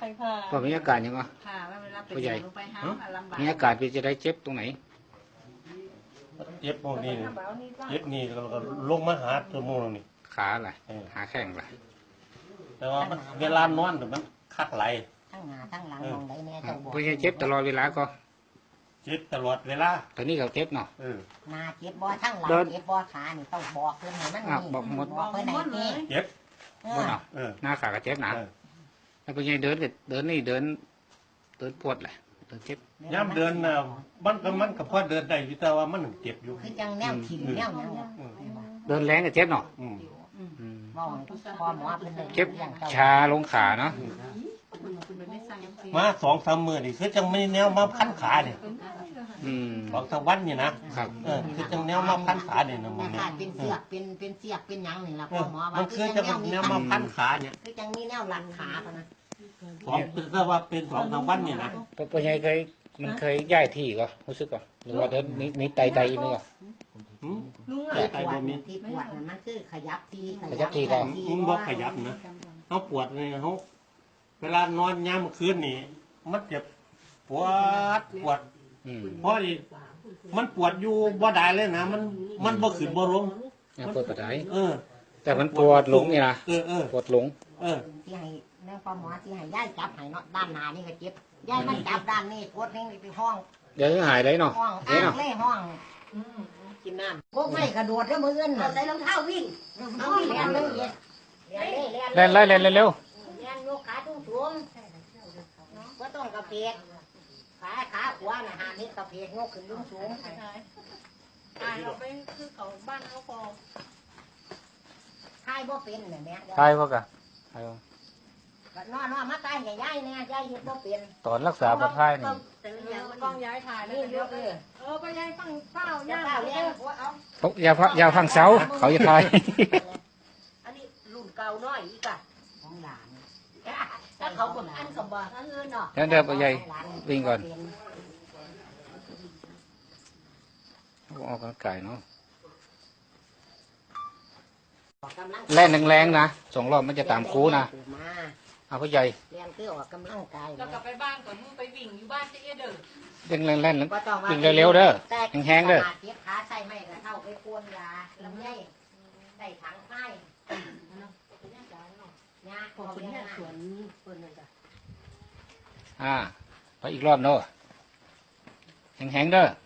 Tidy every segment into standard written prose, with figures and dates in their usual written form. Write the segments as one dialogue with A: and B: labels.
A: รผ่า
B: ก็มีอาการยังไง
C: ผ่าเวลาเป็นลงไปหาลำบาก
B: มีอาการพี่จะได้เจ็บตรงไหน
D: เจ็บพวกนี้เจ็บนี่แล้วก็ลงมาหาตัวมูลนี่
B: ขาอะไรหาแข้งอะไร
D: แต่ว่าเวลานอนมันคักไหล
C: ทั้งหน้าทั้งหลังมองได้แม่เจ้าบอก
B: พี่เจ็บตลอดเวลาก็
D: เจ็บตลอดเวลา
B: ตอนนี้เขาเจ็บเนาะ
C: หน้าเจ็บบ่ทั้งหลังเจ็บบ่ขานี่ต้องบอกเพื่อนให้มันนี่
B: บอกหมด
C: บอกเพื่อนไหนนี่
D: เจ็บ
B: หมดเนาะหน้าขาก็เจ็บนะแล้วพี่เดินนี่เดินปวดเลยเดินเจ็บ
D: ย่ำเดินมันก็พอเดินได้แต่ว่ามันเจ็บอยู่
C: คือจังแนวถิ่นแนวนั้น
B: เดินแรงก็เจ็บเนาะเจ็บชาลงขาเนาะ
D: มา2-3 มื้อนี่คือจังไม่แนวมาพันขาเนี่ย2-3 วันนี่นะครับคือจังแนวมาพันขาเนี่ยนะ
C: มันเป็นเสียกเป็นหยังนี่ล่ะพ่อหมอว่า
D: มันคือจังแนวมาพันขาเนี่ย
C: คือจังมีแนวหลังขาป่ะนะ
D: ถ้าว่าเป็น2-3 วันนี่นะ
B: พ่อใหญ่มันเคยย้ายที่ก็รู้สึกก่อนหรือว่าเดินนี่ไตนี่ก็
C: ไตบ่มีที่ปวดมันคือขยับที
B: ก็
D: มันบ่ขยับนะเขาปวดเนี่ยเขาเวลานอนยามคืนนี่มันเจ็บปวดเพราะมันปวดอยู่บ่ได้เลยนะมันบ่ขึ้นบ่ลง
B: ปวดปะไดแต่มันปวดหลงนี่นะปวดหลง
C: ที่ให้แม่พ่อหมอที่ให้ย่ายจับให้เนาะด้านหน้านี่ก็เจ็บย่ายมันจับด้านนี้ปวดนี่ไปห้อง
B: เดี๋ยวหายได้เนาะ
C: ห้องอ้างเลยห้องกินน้ำพวกไม่กระโดดแล้วมือเงินใส่รองเท้าวิ่งเอาวิ่งเร็ว
B: เล่นเร็ว
C: ยกขาสูงก็ต้องกระเพกขาขวาน่ะหานิดกระเพกยกขึ้นสูง
A: ตายเราไปคือเขาบ้านเขาพอ
C: ทายบ่เป็นเนี่ยแม่
B: ทายพวกอะ
C: นอนมาตายใหญ่เนี่ยใหญ่ยึดบ่เป็น
B: ตอนรักษาปลอดภัยนี่
A: กองย้ายถ่ายแล้วเยอะไปย้ายฟังเฝ้าย่า
C: เลี้ยง
B: เขาอย่าฟังเสาเขาจะทาย
C: อันนี้รุ่นเก่าน้อยอีกอะของหลานถ้าเขาคนอันสมบัติเงินเนาะ
B: เดี๋ยวไปใหญ่วิ่งก่อนออกกำลังกายเนาะแล่นแรงๆนะ2 รอบมันจะตามคูนะเอาพ่อใหญ่
C: เรียนคือออกกำลังกาย
A: แล้วกลับไปบ้านก่อนมึงไปวิ่งอยู่บ้านจะเด้อ
B: วิ่งแล่นวิ่งเร็วๆเด้อแห้งๆเด้อ
C: เจ็บขาใส่ไม่กระเท่าไปโคนยาลำไยใส่ถังไฟ
A: ขอบคุณแม่สวนเปิดเลยจ้
B: ะไปอีกรอบเนาะแห้งๆเด้อ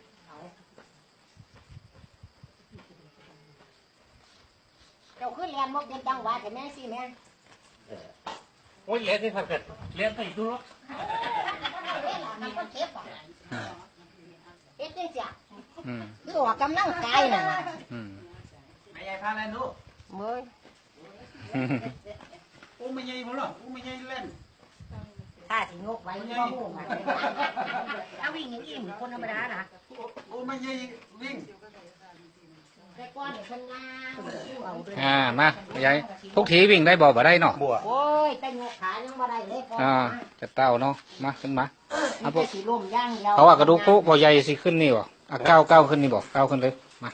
C: เจ้าขึ้นเรียนมุกเด็กจังหวัดแต่แม่สิแม่
D: โอ้ยเลี้ยงที่พักกันเลี้ยงไปดูหรอก
C: มันก็เจ็บอ่ะเจ็บจริงจ้ะคือออกกำลังกายน่ะ
D: ไม่ใหญ่พาเล่นดู
C: เมื่อย
D: อู้ไม่ใหญ่บ่หรออู้ไม่ใหญ่เล่น
C: ถ้าสิงกไว้ก็งูมันถ้าวิ่งอย่างนี้เหมือนคนธรรมดานะ
D: อู้ไม่ใหญ่วิ่ง
B: มาใหญ่ทุกทีวิ่งได้บ่ได้เนาะ
C: โอ้ยแต่งกขายังบ่ได้เลย
B: จะเต้าเนาะมาขึ้นมา
C: เขา
B: ว่ากระดูกพุบ่ใหญ่สิขึ้นนี่บ่ก้าวขึ้นนี่บ่ก้าวขึ้นเลยมา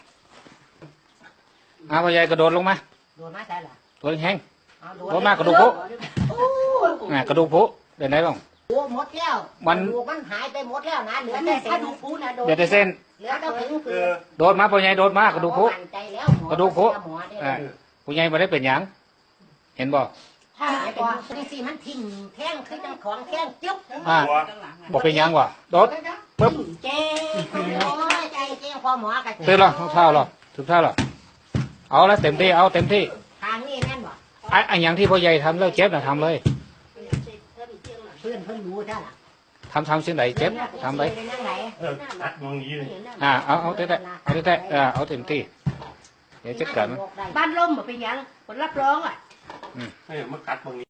B: บ่ใหญ่กระโดดลงมา
C: โดดมาใช่หรอ
B: ตัวแห้งโดดมากระดูกพุกระดูกพุเดินได้บ้าง
C: โอ้หมดแล้วมันหายไปหมดแล้วนะเหลือแต่เส้นพุนะโดด
B: เหลือแต่เส้นโดดมาพ่อใหญ่โดดมากระดูกพุกระดูกพุผู้ใหญ่ไม่ได้เป็นหยังเห็นบ่
C: ถ้าเป็นสิมันทิ่มแท่งคือจังของแท่งจุ๊บ
B: บอกเป็นหยังวะโดดปึ๊บ
C: เจ๊ใจเจ๊พอหมอกัน
B: ตื่นหรอเท้าหรอถูกเท้าหรอเอาแล้วเต็มที่เอาเต็มที่
C: ทางนี้แม่นบ่
B: ไอ้อย่างที่พ่อใหญ่ทำแล้วเจ็บนะทำเลย
C: เพื่อนรู้ได้ล่
B: ะทำเส้นไหนเจ็บทำไปเอาเตะเอาเต็มที่เดี๋ยวจะเกิดมั้ย
A: บ้านล่มเป็นยังผลรับรองอ่ะ
D: มากัดตรงนี้